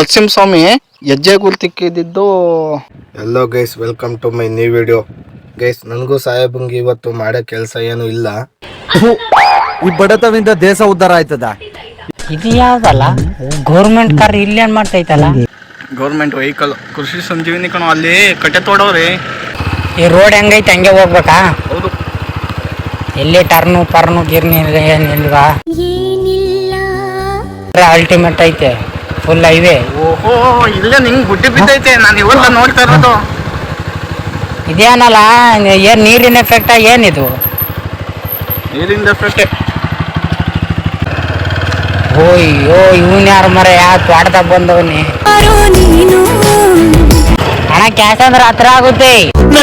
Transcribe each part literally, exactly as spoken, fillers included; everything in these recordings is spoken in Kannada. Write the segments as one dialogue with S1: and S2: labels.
S1: ನರಸಿಂಹಸ್ವಾಮಿ ಹೆಜ್ಜೆ ಗುರ್ತಿಕ್ಕಿದ್ದು. Hello guys, welcome to my new video. Guys, ನನಗೂ ಸಾಹೇಬಂಗೆ ಇವತ್ತು ಮಾಡೋ ಕೆಲಸ ಏನು ಇಲ್ಲ.
S2: ಈ ಬಡತವಿಂದ ದೇಶ ಉದ್ಧಾರ ಆಯ್ತದ.
S3: ಇದು ಯಾವ್ದಲ್ಲ ಗೌರ್ಮೆಂಟ್ ಕಾರ್ ಇಲ್ಲಿ ಏನ್ ಮಾಡ್ತೈತಲ್ಲ?
S1: ಗೌರ್ಮೆಂಟ್ ವೆಹಿಕಲ್ ಕೃಷಿ ಸಂಜೀವಿನಿ ಕಣೋ, ಅಲ್ಲಿ ಕಟ್ಟೆ ತೋಡವ್ರಿ.
S3: ಈ ರೋಡ್ ಹೆಂಗೈತೆ ಹಂಗೆ ಹೋಗ್ಬೇಕಾ?
S1: ಹೌದು.
S3: ಎಲ್ಲಿ ಟರ್ನು ಪರ್ನು ಗಿರ್ನಿ ಏನಿಲ್ವಾ? ಅಲ್ಟಿಮೇಟ್ ಐತೆ, ಫುಲ್ ಹೈವೇ.
S1: ಓಹೋ, ಇಲ್ಲೇ ನಿಂಗೆ ಗುಡ್ಡೆ ಬಿದ್ದೈತೆ. ನಾನು ಇವೆಲ್ಲ ನೋಡ್ತಾ ಇರೋದು.
S3: ಇದೇನಲ್ಲ, ಏನ್ ನೀರಿನ ಎಫೆಕ್ಟ್ ಏನಿದು?
S1: ನೀರಿನ ಎಫೆಕ್ಟ್.
S3: ಓಯ್ಯೋ, ಇವನ್ ಯಾರು ಮರ ಯಾವ ತ್ವಾಟದಾಗ ಬಂದವನಿ? ಹಣ ಕ್ಯಾಶ್ ಅಂದ್ರೆ ಹತ್ರ ಆಗುತ್ತೆ.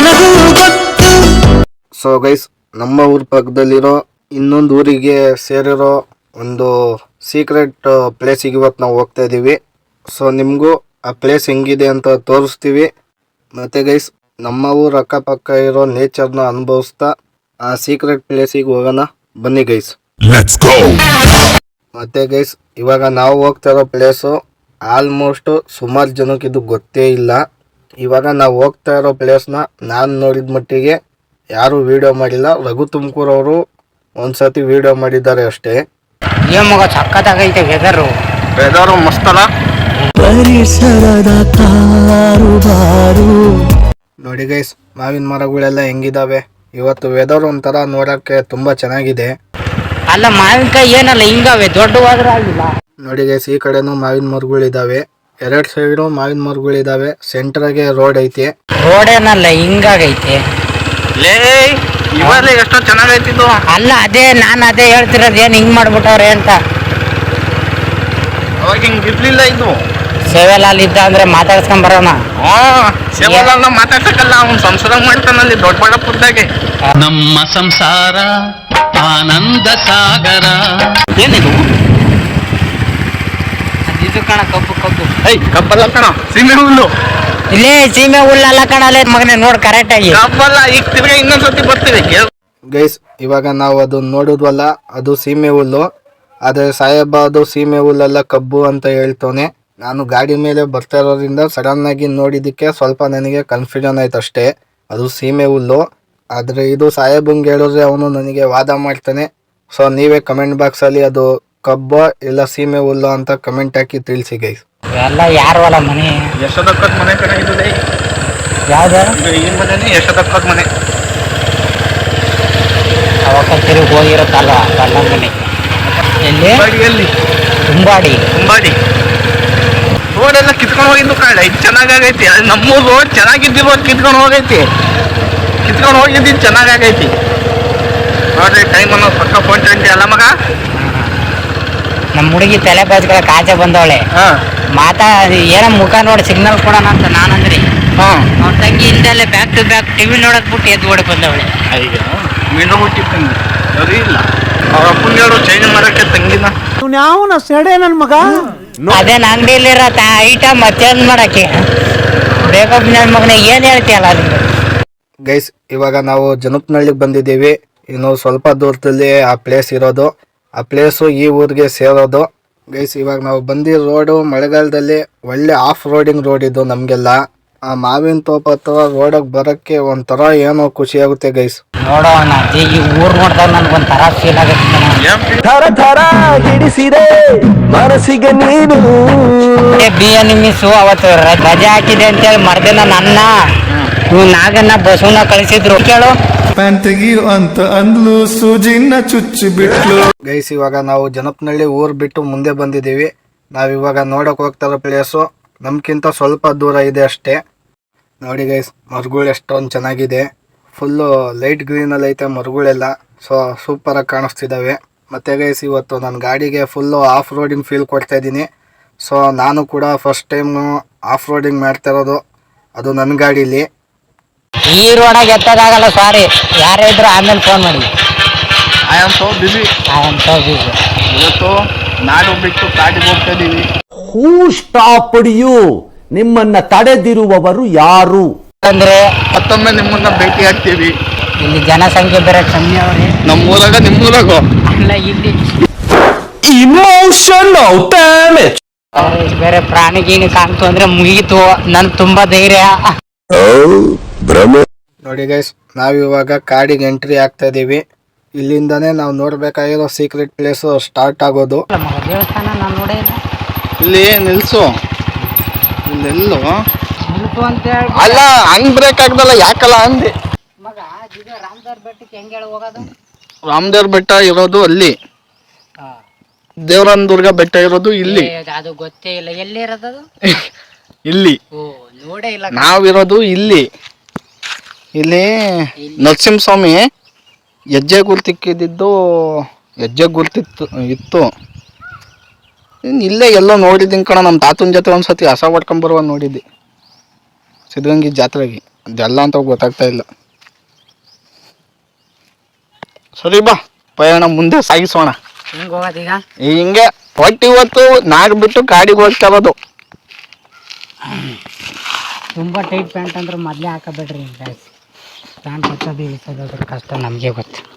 S1: ಸೊ ಗೈಸ್, ನಮ್ಮ ಊರ್ ಪಕ್ಕದಲ್ಲಿರೋ ಇನ್ನೊಂದು ಊರಿಗೆ ಸೇರಿರೋ ಒಂದು ಸೀಕ್ರೆಟ್ ಪ್ಲೇಸಿಗೆ ಇವತ್ತು ನಾವು ಹೋಗ್ತಾ ಇದ್ದೀವಿ. ಸೊ ನಿಮಗೂ ಆ ಪ್ಲೇಸ್ ಹೆಂಗಿದೆ ಅಂತ ತೋರಿಸ್ತೀವಿ. ಮತ್ತು ಗೈಸ್, ನಮ್ಮ ಊರ ಅಕ್ಕಪಕ್ಕ ಇರೋ ನೇಚರ್ನ ಅನುಭವಿಸ್ತಾ ಆ ಸೀಕ್ರೆಟ್ ಪ್ಲೇಸಿಗೆ ಹೋಗೋಣ. ಬನ್ನಿ ಗೈಸ್. ಮತ್ತು ಗೈಸ್, ಇವಾಗ ನಾವು ಹೋಗ್ತಾ ಇರೋ ಪ್ಲೇಸು ಆಲ್ಮೋಸ್ಟ್ ಸುಮಾರು ಜನಕ್ಕೆ ಇದು ಗೊತ್ತೇ ಇಲ್ಲ. ಇವಾಗ ನಾವು ಹೋಗ್ತಾ ಇರೋ ಪ್ಲೇಸ್ನ ನಾನು ನೋಡಿದ ಮಟ್ಟಿಗೆ ಯಾರೂ ವಿಡಿಯೋ ಮಾಡಿಲ್ಲ. ರಘು ತುಮಕೂರವರು ಒಂದ್ಸತಿ ವಿಡಿಯೋ ಮಾಡಿದ್ದಾರೆ ಅಷ್ಟೇ.
S3: ಏ ಮಗ, ಸಕ್ಕತ್ತಾಗೈತೆ ವೆದರು.
S1: ವೆದರು ಮಸ್ತಲ್ಲ. ನೋಡಿ ಗೈಸ್, ಮಾವಿನ ಮರಗಳೆಲ್ಲ ಹೆಂಗಿದಾವೆ ಇವತ್ತು. ವೆದರ್ ಒಂಥರ ನೋಡಕ್ಕೆ ತುಂಬಾ ಚೆನ್ನಾಗಿದೆ.
S3: ಅಲ್ಲ, ಮಾವಿನಕಾಯಿ ಏನಲ್ಲ ಹಿಂಗಾವೆ, ದೊಡ್ಡವಾದ್ರೆ ಆಗಿಲ್ಲ.
S1: ನೋಡಿ ಗೈಸ್, ಈ ಕಡೆನೂ ಮಾವಿನ ಮರಗಳಿದಾವೆ, ಎರಡ್ ಸೈಡು ಮಾವಿನ ಮರಗಳಿದಾವೆ. ಸೆಂಟ್ರಾಗೆ ರೋಡ್ ಐತಿ.
S3: ರೋಡ್ ಏನಲ್ಲ ಹಿಂಗಾಗೈತೆ.
S1: ಲೇ, ಇವಾಗ ಎಷ್ಟೋ ಚೆನ್ನಾಗೈತಿದ್ದು.
S3: ಅಲ್ಲ, ಅದೇ ನಾನು ಅದೇ ಹೇಳ್ತಿರೋದು, ಏನ್ ಹಿಂಗ್ ಮಾಡ್ಬಿಟ್ಟವ್ರೆ ಅಂತ.
S1: ಅವಾಗ ಹಿಂಗ್ ಇರ್ಲಿಲ್ಲ ಇದು.
S3: ಸೇವೆಲಾಲ್ ಇದ್ದ ಅಂದ್ರೆ ಮಾತಾಡ್ಸ್ಕೊಂಡ್ ಬರೋಣ.
S1: ಸೇವೆಲಾಲ್ ಮಾತಾಡ್ಸಕ್ಕಲ್ಲ, ಅವ್ನು ಸಂಸಾರ ಮಾಡ್ತಾನಲ್ಲಿ ದೊಡ್ಡ ಬಳ್ಳಾಪುರದಾಗೆ.
S4: ನಮ್ಮ ಸಂಸಾರ ಆನಂದ ಸಾಗರ.
S1: ಏನಿದು?
S3: ಇದು ಕಣ, ಕಬ್ಬು ಕಬ್ಬು.
S1: ಐ ಕಬ್ಬಲ್ಲ ಕಣ, ಸೀಮೆ ಹುಲ್ಲು.
S3: ಇಲ್ಲೇ ಸೀಮೆ ಹುಲ್ಲಲ್ಲ ಕಣಲ್ಲೇ ಮಗನೇ, ನೋಡ್ ಕರೆಕ್ಟ್ ಆಗಿ.
S1: ಕಬ್ಬಲ್ಲ, ಈಗ ತಿರ್ಗಾ ಇನ್ನೊಂದ್ಸತಿ ಬರ್ತೀವಿ ಗೈಸ್. ಇವಾಗ ನಾವು ಅದು ನೋಡುದ್ವಲ್ಲ, ಅದು ಸೀಮೆ ಹುಲ್ಲು. ಆದ್ರೆ ಸಾಹೇಬ ಅದು ಸೀಮೆ ಹುಲ್ಲಲ್ಲ ಕಬ್ಬು ಅಂತ ಹೇಳ್ತಾನೆ. ನಾನು ಗಾಡಿ ಮೇಲೆ ಬರ್ತಾ ಇರೋದ್ರಿಂದ ಸಡನ್ ಆಗಿ ನೋಡಿದ್ದಕ್ಕೆ ಸ್ವಲ್ಪ ನನಗೆ ಕನ್ಫ್ಯೂಷನ್ ಆಯ್ತು ಅಷ್ಟೇ. ಅದು ಸೀಮೆ ಹುಲ್ಲು, ಆದ್ರೆ ಇದು ಸಾಹೇಬಂಗೆ ಹೇಳಿದ್ರೆ ಅವನು ನನಗೆ ವಾದ ಮಾಡ್ತಾನೆ. ಸೊ ನೀವೇ ಕಮೆಂಟ್ ಬಾಕ್ಸ್ ಅಲ್ಲಿ ಅದು ಕಬ್ಬು ಇಲ್ಲ ಸೀಮೆ ಹುಲ್ಲು ಅಂತ ಕಮೆಂಟ್ ಹಾಕಿ ತಿಳಿಸಿ ಗೈಸ್.
S3: ಎಲ್ಲ ಯಾರವಲ್ಲ ಮನೆ?
S1: ಯಶೋದಕ್ಕದ ಮನೆ ಕಡೆ ಇದೆ.
S3: ಯಾವ್ದು?
S1: ಈ ಮನೆ ಯಶೋದಕ್ಕದ ಮನೆ.
S3: ಅವಾಗ ತಿರುಗಿ ಹೋಗಿರುತ್ತಲ್ಲ ಕಲ್ಲ ಮನೆ. ಎಲ್ಲಿ?
S1: ಎಲ್ಲಿ?
S3: ತುಂಬಾಡಿ.
S1: ತುಂಬಾಡಿ ರೋಡ್ ಎಲ್ಲ ಕಿತ್ಕೊಂಡು ಹೋಗಿದ್ದು ಕಾಳ. ಇದು ಚೆನ್ನಾಗೈತಿ. ನಮ್ಮೂರು ರೋಡ್ ಚೆನ್ನಾಗಿದ್ದು ರೋಡ್ ಕಿತ್ಕೊಂಡು ಹೋಗೈತಿ. ಕಿತ್ಕೊಂಡು ಹೋಗಿದ್ದು ಚೆನ್ನಾಗೈತಿ ನೋಡ್ರಿ. ಟೈಮ್ ಅನ್ನೋ ಪಕ್ಕ ಫೋನ್ ಟ್ವೆಂಟಿ ಅಲ್ಲ ಮಗ.
S3: ನಮ್ಮ ಹುಡುಗಿ ತಲೆ ಬಾಜ್ಗಳ ಕಾಚೆ ಬಂದವಳೆ. ಮಾತಾ ಏನೋ ಮುಖ ನೋಡಿ ಸಿಗ್ನಲ್ ಕೊಡೋಣ ಅಂತ ನಾನಂದ್ರಿ. ಅವ್ರ ತಂಗಿ ಹಿಂದೆಲ್ಲ ಬ್ಯಾಕ್ ಟು ಬ್ಯಾಕ್ ಟಿವಿ ನೋಡಕ್ ಬಿಟ್ಟು ಎದ್ದು ಓಡಿ ಬಂದವಳೆ.
S1: ಈಗ ಮೀನು ಹುಟ್ಟಿ ತಂಗಿ ಸರಿ ಇಲ್ಲ. ಅವ್ರ ಅಪ್ಪನ್ನೇಳು ಚೇಂಜ್ ಮಾಡಕ್ಕೆ ತಂಗಿನ
S2: ಯಾವನ ಸೆಡೆ ನನ್ ಮಗ.
S3: ಅದೇನ್ ಅಂಗಡಿಯಲ್ಲಿರೋ ಐಟಮ್ ಚೇಂಜ್ ಮಾಡಕ್ಕೆ ಬೇಕಪ್ ನನ್ ಮಗನ ಏನ್ ಹೇಳ್ತೀಯಲ್ಲ ಅದು.
S1: ಗೈಸ್, ಇವಾಗ ನಾವು ಜನಪನಹಳ್ಳಿಗೆ ಬಂದಿದ್ದೀವಿ. ಇನ್ನು ಸ್ವಲ್ಪ ದೂರದಲ್ಲಿ ಆ ಪ್ಲೇಸ್ ಇರೋದು. ಆ ಪ್ಲೇಸು ಈ ಊರಿಗೆ ಸೇರೋದು. ಗೈಸ್, ಇವಾಗ ನಾವು ಬಂದಿರೋ ರೋಡು ಮಳೆಗಾಲದಲ್ಲಿ ಒಳ್ಳೆ ಆಫ್ ರೋಡಿಂಗ್ ರೋಡ್ ಇದು. ನಮಗೆಲ್ಲ ಆ ಮಾವಿನ ತೋಪ ಹತ್ರ ರೋಡಿಗೆ ಬರೋಕ್ಕೆ ಒಂಥರ ಏನೋ ಖುಷಿ ಆಗುತ್ತೆ ಗೈಸ್.
S3: ನೋಡೋಣ, ಈ ಊರ್ ನೋಡಿದಾಗ ನನ್ಗೊಂಥರ ಫೀಲ್ ಆಗುತ್ತೆ.
S2: ಥರ ಥರ ಹಿಡಿಸಿದೆ ಮನಸ್ಸಿಗೆ ನೀನು.
S3: ಬಿ ಎನ್ ಮಿಸ್ಸು ಅವತ್ತು ರಜೆ ಹಾಕಿದೆ ಅಂತೇಳಿ ಮರ್ದಿನ ನನ್ನ ನೀವು ನಾಗನ್ನ ಬಸವನ ಕಳಿಸಿದ್ರು. ಕೇಳು,
S5: ಪ್ಯಾಂಟ್ ತೆಗಿಯು ಅಂತ ಅಂದ್ಲು, ಸೂಜಿನ ಚುಚ್ಚಿ ಬಿಟ್ಲು.
S1: ಗೈಸ್, ಇವಾಗ ನಾವು ಜನಪನಹಳ್ಳಿ ಊರ್ ಬಿಟ್ಟು ಮುಂದೆ ಬಂದಿದ್ದೀವಿ. ನಾವಿವಾಗ ನೋಡಕ್ ಹೋಗ್ತಾರೋ ಪ್ಲೇಸು ನಮ್ಗಿಂತ ಸ್ವಲ್ಪ ದೂರ ಇದೆ ಅಷ್ಟೇ. ನೋಡಿ ಗೈಸ್, ಮರಗಳು ಎಷ್ಟೊಂದು ಚೆನ್ನಾಗಿದೆ. ಫುಲ್ಲು ಲೈಟ್ ಗ್ರೀನಲ್ಲಿ ಐತೆ ಮರಗಳೆಲ್ಲ. ಸೊ ಸೂಪರಾಗಿ ಕಾಣಿಸ್ತಿದ್ದಾವೆ. ಮತ್ತು ಗೈಸ್, ಇವತ್ತು ನನ್ನ ಗಾಡಿಗೆ ಫುಲ್ಲು ಆಫ್ ರೋಡಿಂಗ್ ಫೀಲ್ ಕೊಡ್ತಾ ಇದ್ದೀನಿ. ಸೊ ನಾನು ಕೂಡ ಫಸ್ಟ್ ಟೈಮು ಆಫ್ ರೋಡಿಂಗ್ ಮಾಡ್ತಾ ಇರೋದು, ಅದು ನನ್ನ ಗಾಡೀಲಿ.
S3: ಈ ರೋಡಾಗ ಎತ್ತದಾಗಲ್ಲ, ಸಾರಿ. ಯಾರೇ ಇದ್ರು ಆಮೇಲೆ ಫೋನ್ ಮಾಡಿ.
S1: I am so busy.
S3: I am so busy.
S1: ಇವತ್ತು ನಾಡು ಬಿಟ್ಟು ಕಾಡಿಗೆ ಹೋಗ್ತಾ ಇದ್ದೀವಿ.
S2: Who stopped you? ನಿಮ್ಮನ್ನ ತಡೆದಿರುವವರು ಯಾರು?
S3: ಅಂದ್ರೆ
S1: ಮತ್ತೊಮ್ಮೆ ನಿಮ್ಮನ್ನ ಭೇಟಿ ಆಗ್ತೀವಿ.
S3: ಇಲ್ಲಿ ಜನಸಂಖ್ಯೆ ಬೇರೆ ಕಮ್ಮಿ ಅವ್ರಿ.
S1: ನಮ್ಮೂರಾಗ ನಿಮ್ಮೂರಾಗ
S3: ಅಲ್ಲ ಇಲ್ಲಿ
S2: emotional damage.
S3: ಬೇರೆ ಪ್ರಾಣಿ ಗೀನಿ ಕಾಣ್ತು ಅಂದ್ರೆ ಮುಗೀತು. ನನ್ ತುಂಬಾ ಧೈರ್ಯ.
S1: ನೋಡಿ ಗೈಸ್, ನಾವಿವಾಗ ಕಾಡಿಗೆ ಎಂಟ್ರಿ ಆಗ್ತಾ ಇದೀವಿ. ಇಲ್ಲಿಂದಾನೇ ನಾವು ನೋಡ್ಬೇಕಾಗಿರೋ ಸೀಕ್ರೆಟ್ ಪ್ಲೇಸ್ ಸ್ಟಾರ್ಟ್ ಆಗೋದು.
S3: ದೇವಸ್ಥಾನ ನಾನು ನೋಡೇ ಇಲ್ಲ.
S1: ಇಲ್ಲಿ ನಿಲ್ಸು. ಇಲ್ಲೆಲ್ಲೋ
S3: ನಿಲ್ತು ಅಂತ ಹೇಳಿ
S1: ಅಲ್ಲ, ಹಂಗ್ ಬ್ರೇಕ್ ಆಗ್ದಲ್ಲ, ಯಾಕಲ್ಲ ಅಂದೆ.
S3: ಮಗ ಇದು ರಾಮದೇವ್ರ ಬೆಟ್ಟಕ್ಕೆ ಹೆಂಗ್ ಹೇಳಿ ಹೋಗೋದು?
S1: ರಾಮದೇವ್ರ ಬೆಟ್ಟ ಇರೋದು ಅಲ್ಲಿ, ದೇವರನ ದುರ್ಗ ಬೆಟ್ಟ ಇರೋದು ಇಲ್ಲಿ.
S3: ಏ, ಅದು ಗೊತ್ತೇ ಇಲ್ಲ. ಎಲ್ಲಿ ಇರೋದು ಅದು?
S1: ಇಲ್ಲಿ
S3: ಓ, ನೋಡೇ ಇಲ್ಲ.
S1: ನಾವಿರೋದು ಇಲ್ಲಿ. ಇಲ್ಲಿ ನರಸಿಂಹಸ್ವಾಮಿ ಹೆಜ್ಜೆ ಗುರ್ತಿಕ್ಕಿದ್ದು ಹೆಜ್ಜೆ ಗುರ್ತಿತ್ತು ಇತ್ತು. ಇನ್ನು ಇಲ್ಲೇ ಎಲ್ಲೋ ನೋಡಿದ್ದೀನಿ ಕಣ, ನಮ್ಮ ತಾತನ ಜೊತೆ ಒಂದ್ಸತಿ ಹಸ ಹೊಡ್ಕೊಂಬರುವ ನೋಡಿದ್ದೆ ಸಿದ್ಧಗಂಗೆ ಜಾತ್ರೆಗೆ. ಅದೆಲ್ಲ ಅಂತ ಗೊತ್ತಾಗ್ತಾ ಇಲ್ಲ. ಸರಿ ಬಾ, ಪಯಣ ಮುಂದೆ ಸಾಗಿಸೋಣ.
S3: ಹೆಂಗ್ ಹೋಗೋದೀಗ?
S1: ಹಿಂಗೆ ಒಟ್ಟು ಇವತ್ತು ನಾಡ್ ಬಿಟ್ಟು ಕಾಡಿಗೆ ಹೋಗ್ತಾ ಇರೋದು.
S3: ತುಂಬಾ ಟೈಟ್ ಪ್ಯಾಂಟ್ ಅಂದ್ರೆ ಮೊದಲೇ ಹಾಕಬೇಡ್ರಿ. ಪ್ಯಾಂಟ್ ಹಚ್ಚೋದು ಇಳಿಸೋದು ಕಷ್ಟ ನಮಗೆ ಗೊತ್ತು.